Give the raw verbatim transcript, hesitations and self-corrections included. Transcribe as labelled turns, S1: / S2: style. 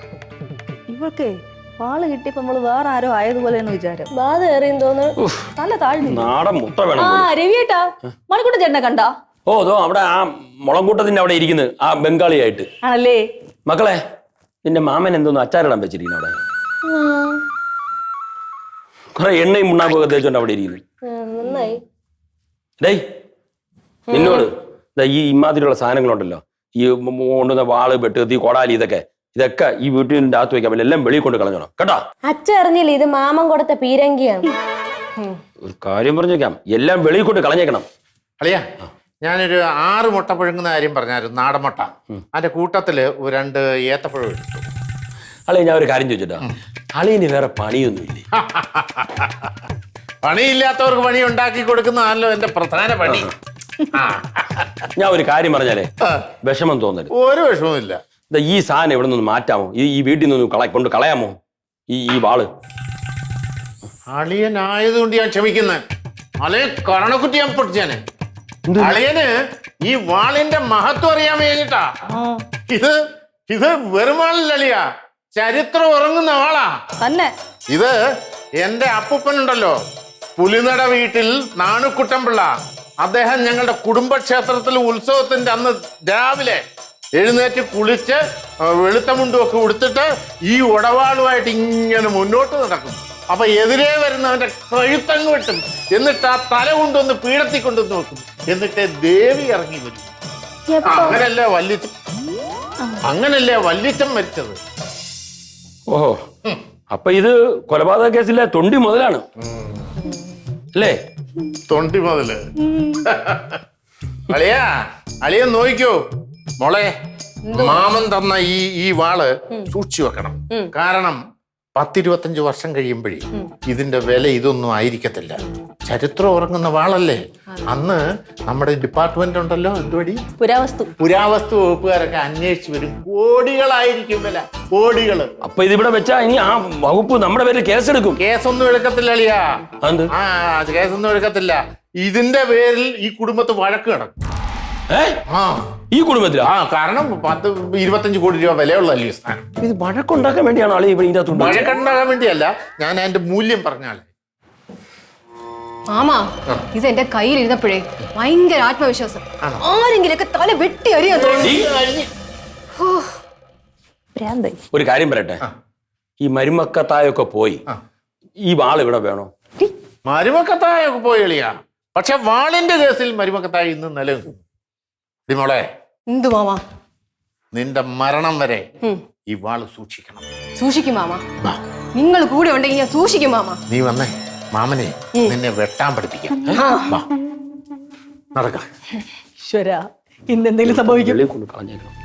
S1: ഇവൾക്കേ വാള് കിട്ടിയപ്പോ നമ്മള് വേറെ ആരോ ആയതുപോലെയാണ് വിചാരം.
S2: ബാധ ഏറിയും തോന്നുന്നു.
S1: നല്ല താഴ്ന്നു.
S3: നാടൻ മുട്ട വേണം.
S1: ആ രവിയേട്ടാ, മണിക്കൂട്ടൻ ചേട്ടനെ കണ്ടാ?
S3: ഓ അതോ അവിടെ ആ മുളങ്കൂട്ടത്തിന്റെ അവിടെ ഇരിക്കുന്നത് ആ ബംഗാളിയായിട്ട്.
S1: ആണല്ലേ?
S3: മക്കളെ, നിന്റെ മാമൻ എന്തോന്ന് അച്ചാറിടാൻ വെച്ചിരിക്കുന്നു അവിടെ. കുറെ എണ്ണയും മുണ്ണാക്കൊക്കെ തേച്ചോണ്ട് അവിടെ ഇരിക്കുന്നു.
S2: നന്നായി.
S3: ഡേയ് നിന്നോട് ഈ ഇമാതിരിയുള്ള സാധനങ്ങളുണ്ടല്ലോ, ഈ കൊണ്ടുവന്ന വാള്, വെട്ടുകത്തി, കോടാലി, ഇതൊക്കെ ഇതൊക്കെ ഈ വീട്ടിന്റെ അകത്ത് വെക്കാൻ പറ്റില്ല. എല്ലാം വെളിയിൽ കൊണ്ട് കളഞ്ഞോണം കേട്ടോ.
S2: അച്ഛ അറിഞ്ഞില്ല ഇത് മാമൻ കൊടുത്ത പീരങ്കിയാണ്.
S3: ഒരു കാര്യം പറഞ്ഞേക്കാം, എല്ലാം വെളിയിൽ കൊണ്ട് കളഞ്ഞേക്കണം.
S4: അളിയാ, ഞാനൊരു ആറ് മുട്ട പുഴുങ്ങുന്ന കാര്യം പറഞ്ഞായിരുന്നു, നാടൻ മുട്ട. അതിന്റെ കൂട്ടത്തില് ഒരു രണ്ട് ഏത്തപ്പഴം എടുത്തു.
S3: അളിയ, ഞാൻ ഒരു കാര്യം ചോദിച്ചിട്ടാ, അളിയന് വേറെ പണിയൊന്നുമില്ലേ?
S4: പണിയില്ലാത്തവർക്ക് പണി ഉണ്ടാക്കി കൊടുക്കുന്നതാണല്ലോ എന്റെ പ്രധാന പണി.
S3: ഞാൻ ഒരു കാര്യം പറഞ്ഞാലേ വിഷമം തോന്നരുത്.
S4: ഒരു വിഷമവും ഇല്ല.
S3: ഈ സാധനം ഇവിടെ നിന്ന് മാറ്റാമോ? ഈ ഈ വീട്ടിൽ നിന്ന് കള കൊണ്ട് കളയാമോ ഈ ഈ വാള്?
S4: അളിയനായതുകൊണ്ട് ഞാൻ ക്ഷമിക്കുന്നത്. അളിയെ കരണക്കുറ്റി ഞാൻ പൊട്ടിച്ചാനെ. അളിയന് ഈ വാളിന്റെ മഹത്വം അറിയാൻ കഴിഞ്ഞിട്ടാ. ഇത് ഇത് വെറും വാളല്ല അളിയ, ചരിത്രം ഉറങ്ങുന്ന വാളാ
S1: തന്നെ.
S4: ഇത് എന്റെ അപ്പൂപ്പനുണ്ടല്ലോ, പുലിനട വീട്ടിൽ നാണുക്കുട്ടൻപിള്ള, അദ്ദേഹം ഞങ്ങളുടെ കുടുംബക്ഷേത്രത്തിൽ ഉത്സവത്തിന്റെ അന്ന് രാവിലെ എഴുന്നേറ്റ് കുളിച്ച് വെളുത്ത മുണ്ടുമൊക്കെ ഉടുത്തിട്ട് ഈ ഉടവാളുമായിട്ട് ഇങ്ങനെ മുന്നോട്ട് നടക്കും. അപ്പൊ എതിരെ വരുന്നവന്റെ കഴുത്തങ്ങ് വെട്ടും. എന്നിട്ട് ആ തല കൊണ്ടൊന്ന് പീഠത്തിൽ കൊണ്ടുവന്ന് നോക്കും. എന്നിട്ട് ദേവി ഇറങ്ങി വരും. അങ്ങനല്ലേ വല്ലിച്ച അങ്ങനല്ലേ വല്ലിച്ചം മരിച്ചത്.
S3: ഓഹോ, അപ്പൊ ഇത് കൊലപാതക കേസിലെ തൊണ്ടി മുതലാണ് അല്ലേ?
S4: തൊണ്ടി മുതല്. അളിയാ, അളിയൻ നോക്കിക്കോ മോളെ, മാമൻ തന്ന ഈ ഈ വാള് സൂക്ഷിച്ചു വെക്കണം. കാരണം പത്തിരുപത്തഞ്ച് വർഷം കഴിയുമ്പോഴേ ഇതിന്റെ വില ഇതൊന്നും ആയിരിക്കത്തില്ല. ചരിത്രം ഉറങ്ങുന്ന വാളല്ലേ. അന്ന് നമ്മുടെ ഡിപ്പാർട്ട്മെന്റ് ഉണ്ടല്ലോ, എന്തുവടി
S1: പുരാവസ്തു
S4: പുരാവസ്തു വകുപ്പുകാരൊക്കെ അന്വേഷിച്ചു വരും. കോടികളായിരിക്കും വില, കോടികള്.
S3: അപ്പൊ ഇതിവിടെ വെച്ചാ ഇനി ആ വകുപ്പ് നമ്മുടെ പേരിൽ കേസെടുക്കും.
S4: കേസൊന്നും എടുക്കത്തില്ല അളിയാ. ആ കേസൊന്നും എടുക്കത്തില്ല. ഇതിന്റെ പേരിൽ ഈ കുടുംബത്ത് വഴക്ക് കിടക്കും.
S3: ഈ കുടുംബത്തിലാ?
S4: ആ, കാരണം പത്ത് ഇരുപത്തഞ്ച് കോടി രൂപ വിലയുള്ളല്ലേ സ്ഥാനം.
S3: ഇത് വഴക്കുണ്ടാക്കാൻ വേണ്ടിയാണോ ആളെ ഇവിടെ ഇതിനകത്ത്?
S4: വഴക്കുണ്ടാകാൻ വേണ്ടിയല്ല, ഞാൻ അതിന്റെ മൂല്യം പറഞ്ഞാളെ.
S2: മാമാ, ഇത് എന്റെ കയ്യിൽ ഇരുന്നപ്പോഴേ ഭയങ്കര ആത്മവിശ്വാസം. ആരെങ്കിലൊക്കെ തല വെട്ടി അറിയാൻ തോന്നി.
S3: ഒരു കാര്യം പറയട്ടെ, ഈ മരുമക്കത്തായൊക്കെ പോയി ഈ വാൾ ഇവിടെ വേണോ?
S4: മരുമക്കത്തായൊക്കെ പോയി എളിയാ, പക്ഷെ വാളിന്റെ കേസിൽ മരുമക്കത്തായ ഇന്ന് നിലനിൽക്കും. മോളെ,
S2: എന്തു മാമാ?
S4: നിന്റെ മരണം വരെ ഈ വാള് സൂക്ഷിക്കണം.
S2: സൂക്ഷിക്കും മാമാ. നിങ്ങൾ കൂടെ ഉണ്ടെങ്കിൽ ഞാൻ സൂക്ഷിക്കും മാമാ.
S4: നീ വന്നേ, മാമനെ നിന്നെ വെട്ടാൻ പഠിപ്പിക്കാം. നടക്ക.
S1: ഈശ്വരാ, ഇന്നെന്തെങ്കിലും സംഭവിക്കും.
S3: കളഞ്ഞേക്കണം.